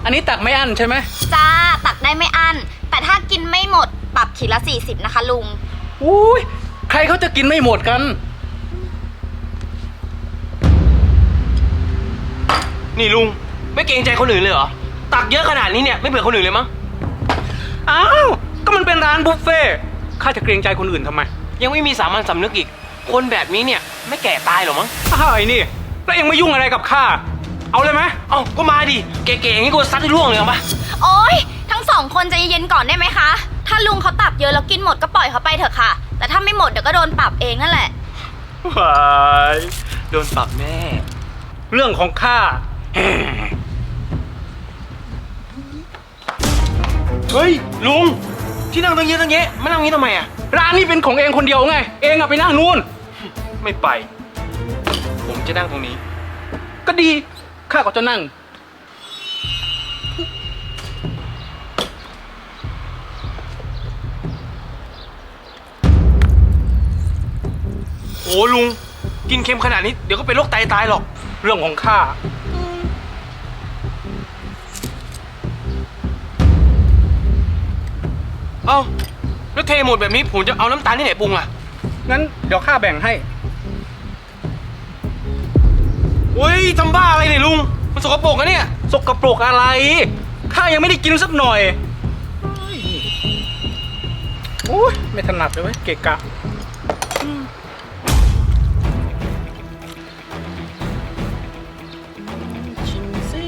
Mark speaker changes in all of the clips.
Speaker 1: อันนี้ตักไม่อั้นใช่ไหม
Speaker 2: จ้าตักได้ไม่อั้นแต่ถ้ากินไม่หมดปรับขีดละ40นะคะลุง
Speaker 1: อุ้ยใครเขาจะกินไม่หมดกัน
Speaker 3: นี่ลุงไม่เกรงใจคนอื่นเลยเหรอตักเยอะขนาดนี้เนี่ยไม่เผื่อคนอื่นเลยมั้ง
Speaker 1: อ้าวก็มันเป็นร้านบุฟเฟ่ข้าจะเกรงใจคนอื่นทำไม
Speaker 3: ยังไม่มีสามัญสำนึกอีกคนแบบนี้เนี่ยไม่แก่ตายหรอมั้ง
Speaker 1: อ้าวไอ้นี่แล้วเองไม่ยุ่งอะไรกับข้าเอาเลยไหม
Speaker 3: เอาก็มาดิเก๋ๆอย่างนี้กูซัดให้ร่วงเลยปะ
Speaker 2: โอ๊ยทั้งสองคนใจเย็นๆก่อนได้ไหมคะถ้าลุงเขาตักเยอะแล้วกินหมดก็ปล่อยเขาไปเถอะค่ะแต่ถ้าไม่หมดเดี๋ยวก็โดนปรับเองนั่นแหละ
Speaker 3: ว้ายโดนปรับแน่
Speaker 1: เรื่องของข้า
Speaker 3: เฮ้ยลุงที่นั่งตั้งเยอะตั้งแยะมานั่งนี้ทำไมอ่ะ
Speaker 1: ร้านนี้เป็นของเองคนเดียวไงเองอะไปนั่งนู่น
Speaker 3: ไม่ไปผมจะนั่งตรงนี้
Speaker 1: ก็ดีข้าก็จะนั่ง
Speaker 3: โอ้ลุงกินเค็มขนาดนี้เดี๋ยวก็เป็นโรคไตตายหรอก
Speaker 1: เรื่องของข้า
Speaker 3: เอ้าแล้วเทหมดแบบนี้ผมจะเอาน้ำตาลที่ไหนปรุงล่ะ
Speaker 1: งั้นเดี๋ยวข้าแบ่งให้
Speaker 3: เฮ้ยทำบ้าอะไรเนี่ยลุงมันสกปรกนะเนี่ย
Speaker 1: สกปรกอะไรข้ายังไม่ได้กินสักหน่อยโอ้ยไม่ถนัดเลยเว้ยเกะกะชิมซิ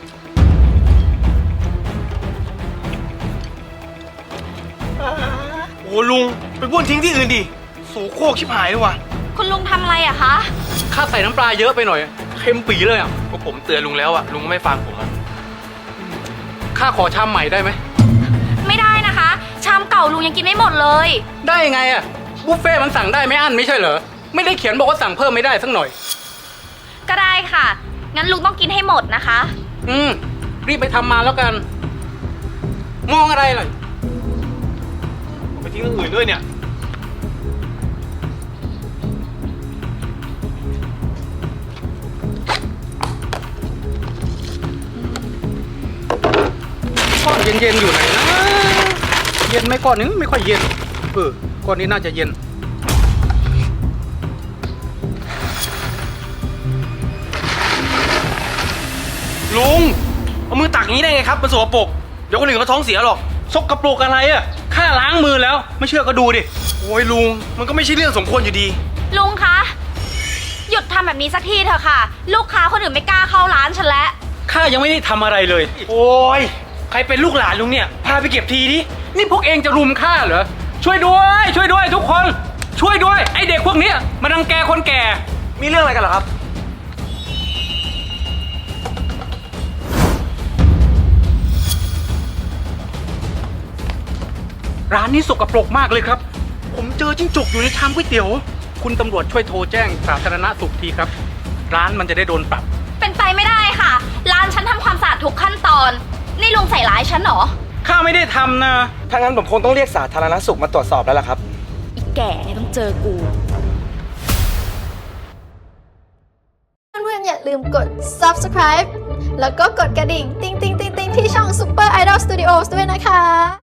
Speaker 3: โอ้ลุงไปบ้วนทิ้งที่อื่นดิโสโครกชิบหายเลยว่ะ
Speaker 2: คุณลุงทำอะไรอะคะ
Speaker 1: ข้าใส่น้ำปลาเยอะไปหน่อยเค็มปีเลยอ่ะ
Speaker 3: ก็ผมเตือนลุงแล้วอะลุงไม่ฟังผมอะ
Speaker 1: ข้าขอชามใหม่ได้ไหม
Speaker 2: ไม่ได้นะคะชามเก่าลุงยังกินไม่หมดเลย
Speaker 1: ได้ไงอ่ะบุฟเฟ่มันสั่งได้ไม่อั้นไม่ใช่เหรอไม่ได้เขียนบอกว่าสั่งเพิ่มไม่ได้สักหน่อย
Speaker 2: ก็ได้ค่ะงั้นลุงต้องกินให้หมดนะคะ
Speaker 1: รีบไปทำมาแล้วกันมองอะไรล่ะ
Speaker 3: ไปทิ้งเรื่องอื่นด้วยเนี่ย
Speaker 1: ก้อนเย็นๆอยู่ไหนนะเย็นไหมก้อนนึงไม่ค่อยเย็นก้อนนี้น่าจะเย็น
Speaker 3: ลุงเอามือตักอย่างนี้ได้ไงครับมันสกปรกเดี๋ยวคนอื่นเขาท้องเสียหรอก
Speaker 1: สกปรกอะไรอ่ะข้าล้างมือแล้วไม่เชื่อก็ดูดิ
Speaker 3: โอ้ยลุงมันก็ไม่ใช่เรื่องสมควรอยู่ดี
Speaker 2: ลุงคะหยุดทำแบบนี้สักทีเถอะค่ะลูกค้าคนอื่นไม่กล้าเข้าร้านฉันแล้ว
Speaker 1: ข้ายังไม่ได้ทำอะไรเลย
Speaker 3: โอ้ยใครเป็นลูกหลานลุงเนี่ยพาไปเก็บทีดิ
Speaker 1: นี่พวกเองจะรุมข้าเหรอช่วยด้วยช่วยด้วยทุกคนช่วยด้วยไอเด็กพวกนี้มารังแกคนแก่
Speaker 3: มีเรื่องอะไรกันเหรอครับ
Speaker 1: ร้านนี้สกปรกมากเลยครับผมเจอจิ้งจกอยู่ในชามก๋วยเตี๋ยวคุณตำรวจช่วยโทรแจ้งสาธารณสุขทีครับร้านมันจะได้โดนปรับ
Speaker 2: เป็นไปไม่ได้ค่ะร้านฉันทำความสะอาดทุกขั้นตอนนี่ลุงใส่ร้ายฉันเหรอ
Speaker 1: ข้าไม่ได้ทำนะ
Speaker 3: ถ้างั้นผมคงต้องเรียกสาธารณสุขมาตรวจสอบแล้วล่ะครับ
Speaker 2: อีแก่เนี่ยต้องเจอกู
Speaker 4: เพื่อนๆอย่าลืมกด subscribe แล้วก็กดกระดิ่งติ๊งๆๆๆที่ช่อง Super Idol Studios ด้วยนะคะ